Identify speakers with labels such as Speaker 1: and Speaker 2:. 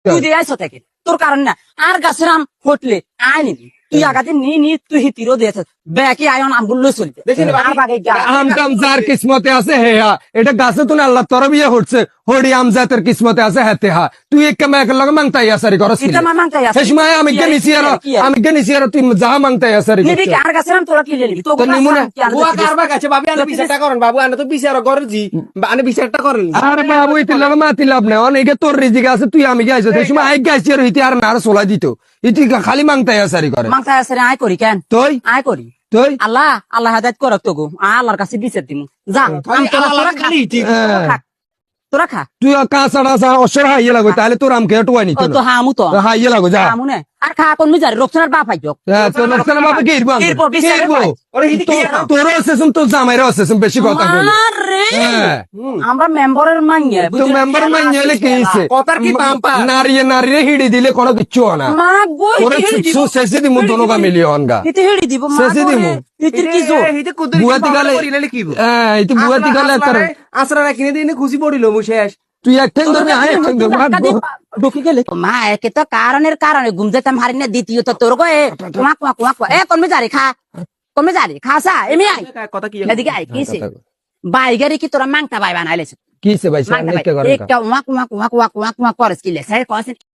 Speaker 1: তুই দিয়ে আইসো থেকে তোর কারণ না আর গাছের আম ফটলে আয় নিবি তুই আগাতে নি তুই হিতিরও দিয়েছ ব্যাকে আয়ন আমগুলো চলতে আর বাগে
Speaker 2: আম টাম যার কিসমতে আছে হে হা এটা গাছে তো আল্লাহ তোর বিয়ে হচ্ছে হরি আম জাতের কিসমতে আছে হেতে হা তুই এক কামে এক লগে মাংতাই আসারি করস
Speaker 1: এটা মা মাংতাই আছে
Speaker 2: শেষ মায় আমি কে নিছি আর তুই যা মাংতাই আসারি
Speaker 1: নিবি কি আর গাছের আম তোরা কি নিবি তো
Speaker 2: নিমুনা
Speaker 3: বুয়া কারবা কাছে বাবি আনে বিচারটা করেন বাবু আনে তো বিচার করজি আনে বিচারটা করেন
Speaker 2: আরে বাবু ইতি লগে মাতি লাভ নাই অনেকে তোর রিজিক আছে তুই আমি গাইছ সেই সময় আই গাইছি আর ইতি আর নার সোলা দিত ইতি খালি মাংতাই আসারি করে
Speaker 1: মাংতাই আছে আয় করি কেন
Speaker 2: তুই
Speaker 1: আয় করি
Speaker 2: তুই
Speaker 1: আল্লাহ হাদায়েত করক তো গো আল্লাহর কাছে বিচার দিমু যা তোরা খা তোরা খা
Speaker 2: তুই কাঁচা টাচা অসর হাইয়ে লাগো তাহলে তোর আমকে টুয়াই নিত
Speaker 1: তো হামু তো
Speaker 2: হাইয়ে লাগো যা
Speaker 1: হামু না আর খা কোন মিজারে রক্তনার বাপ আইজক
Speaker 2: তোর লোকসানের বাপে কি ইরবান
Speaker 1: এরপর বিচারে
Speaker 2: তোর অসেসম তোর জামাইরা অসেসম বেশি কথা বলি
Speaker 1: আরে আমরা মেম্বারের মাইয়া
Speaker 2: তো মেম্বার মাইলে কি হইছে
Speaker 3: কথার কি পাম্পা
Speaker 2: নারী হিড়ি দিলে কোনো কিচ্ছু হয় না
Speaker 1: মা গো
Speaker 2: তোরে সুসু শেষে দিমু দোনোগা মিলিয়ন গা
Speaker 1: ইতি হেড়ি দিব মা
Speaker 2: শেষে দিমু
Speaker 1: ইতির কি জোর
Speaker 2: বুয়াতি গালে ইতি বুয়াতি গালে তার
Speaker 3: আসরা কিনে দিনে খুশি পড়িল মু শেষ
Speaker 2: তুই একটাই ধরবি আয় একটাই ধরবি
Speaker 1: ঢুকে গেলে মা একে তো কারণে ঘুম যেতাম হারি না দ্বিতীয় তো তোর গো এ কমে যারে খাসা এমনি আই
Speaker 3: কথা কি
Speaker 1: এদিকে আই কিছে বাইগারি কি তোরা মাংটা বাই বানাইলেছ
Speaker 2: কিছে ভাই সামনে কে করে
Speaker 1: একটা ওয়াক করস কি লেছে